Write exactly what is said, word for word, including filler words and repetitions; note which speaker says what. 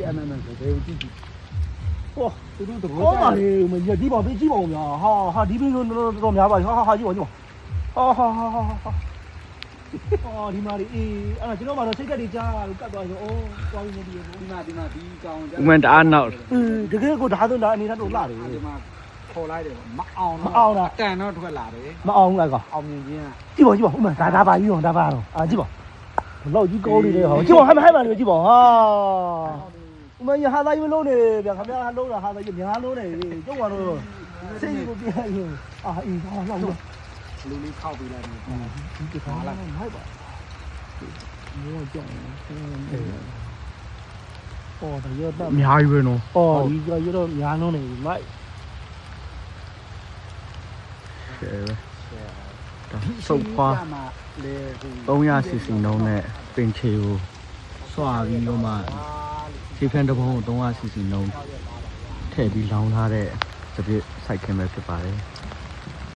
Speaker 1: အမှန်မှန်ဆိုဘယ်ကိုကြည့်ကြည့်ဟောသူတို့တော့
Speaker 2: ဟောပါလေမကြည့်ပါသေးကြည့်ပါဦးများဟာဟာဒီဘင်းတော့တော့များပါဟာဟာဟာကြည့်ပါကြည့်ပါဟာဟာဟာဟာအော်ဒီမာရီအေးအဲ့ဒါကျွန်တော်မှတော့စိတ်ကက်တွေကြားလို့ကတ်သွားရောအော်သွားပြီးနေပြီ
Speaker 1: ဒီမှာဒီမှာဒီကောင်
Speaker 3: ဥမန်တအားနောက်
Speaker 2: အေးတကယ်ကိုဒါဆိုဒါအနေနဲ့တော့လာတယ်
Speaker 1: ဒီမှာခေါ်လိုက်တယ်မအောင်
Speaker 2: မအောင်လား
Speaker 1: တန်တော့ထွက်လာတယ်
Speaker 2: မအောင်ဘူးလားကောင်
Speaker 1: အောင်မြင်ခြင်း
Speaker 2: ကြည့်ပါကြည့်ပါဥမာဒါဒါပါကြီးရောဒါပါတော့အာကြည့်ပါလောက်ကြီးကောင်းနေတယ်ဟောကြည့်ပါဟမ်းဟမ်းပါလေကြည့်ပါဟာဥမာရဟာသားကြီးမလုံးနေဗျခင်ဗျားလုံးတာဟာသားကြီးများလုံးနေကျုပ်ကတော့စိတ်ကိုပြည့်ရင်အာအေးဟာလောက်လို့
Speaker 1: လူလေးခောက်ပေးလိုက်တယ်
Speaker 2: ဒီကခါလာဟိုက်ပါမောကြောင်အော်ဒါရတော့
Speaker 3: အများကြီးပဲနော်
Speaker 2: အော်ဒီကရတော့များလုံးနေပြီမိုက်
Speaker 3: ရှယ်ပဲဒါစုပ်ခွာ
Speaker 1: လေဟို
Speaker 3: သုံးရာစီစီနှုံးနဲ့ပင်ချေကိုစွာပြီးတော့မှခြေဖျံတစ်ပုံးကိုသုံးရာစီစီနှုံးထည့်ပြီးလောင်းထားတဲ့စပစ်စိုက်ခင်းပဲဖြစ်ပါတယ်